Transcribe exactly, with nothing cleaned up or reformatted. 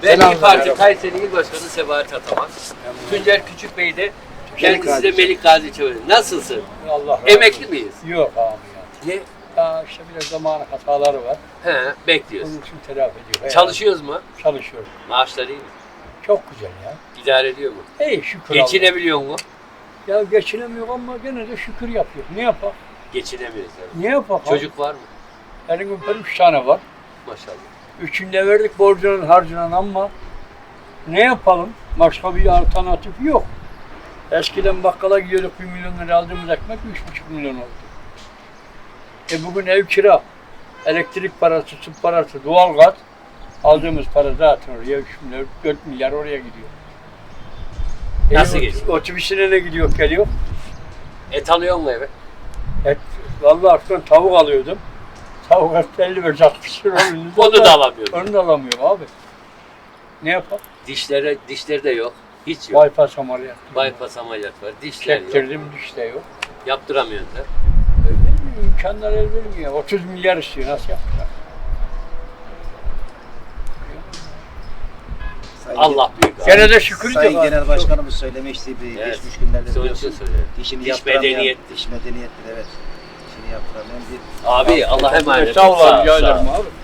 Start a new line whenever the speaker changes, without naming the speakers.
Ben
Selam
İYİ Parti
merhaba.
Kayseri İl Başkanı Sebahat Ataman. Tuncer Küçük Bey de kendisi
Gazi.
de Melik Gazi Çevre. Nasılsın?
Allah razı
Emekli
olsun.
miyiz?
Yok abi ya.
Ne?
Ya işte biraz zamanı hataları var.
He, bekliyoruz.
Onun için telafi ediyor.
Çalışıyoruz mu?
Çalışıyorum.
Maaşlar iyi mi?
Çok güzel ya.
İdare ediyor mu?
İyi şükür
Geçinebiliyor mu?
Allah'a. Ya geçinemiyor ama gene de şükür yapıyor. Ne yapar?
Geçinemiyoruz yani.
Ne yapar?
Çocuk var mı?
Benim öperim üç tane var.
Maşallah.
Üçünde verdik borcunun harcının ama ne yapalım? Başka bir alternatif yok. Eskiden bakkala gidiyorduk bir milyon lira aldığımız ekmek üç buçuk milyon oldu. E bugün ev kira, elektrik parası, su parası, doğalgaz aldığımız para zaten oraya üç milyar, dört milyar oraya gidiyor.
Nasıl
e,
geçiyor?
Otobüsüne ne gidiyor geliyor?
Et alıyor mu eve?
Et, vallahi artık tavuk alıyordum. Tavuk et elli beş altmış lira.
Onu da alamıyorum.
Onu da alamıyorum abi. Ne yapalım?
Dişlere, dişleri de yok. Hiç yok.
Bypass ameliyatı.
Bypass ameliyat var. Dişler yok.
Çektirdim diş de yok.
Yaptıramıyorsun da.
Öyle imkanlar el vermiyor. otuz milyar istiyor. Nasıl yapacak?
Sayın
Allah büyük abi.
Gene de şükür
Sayın
de var.
Genel Başkanımız söylemişti bir
Evet.
geçmiş günlerde
Son
biliyorsun.
için söylüyorum.
Dişini
Diş
yaptıramayan,
medeniyettir.
diş medeniyettir evet. Dişini yaptıramayan bir
Abi Allah emanet.
Sağ ol
Sağ-
abi. Rica
sağ-
ederim abi.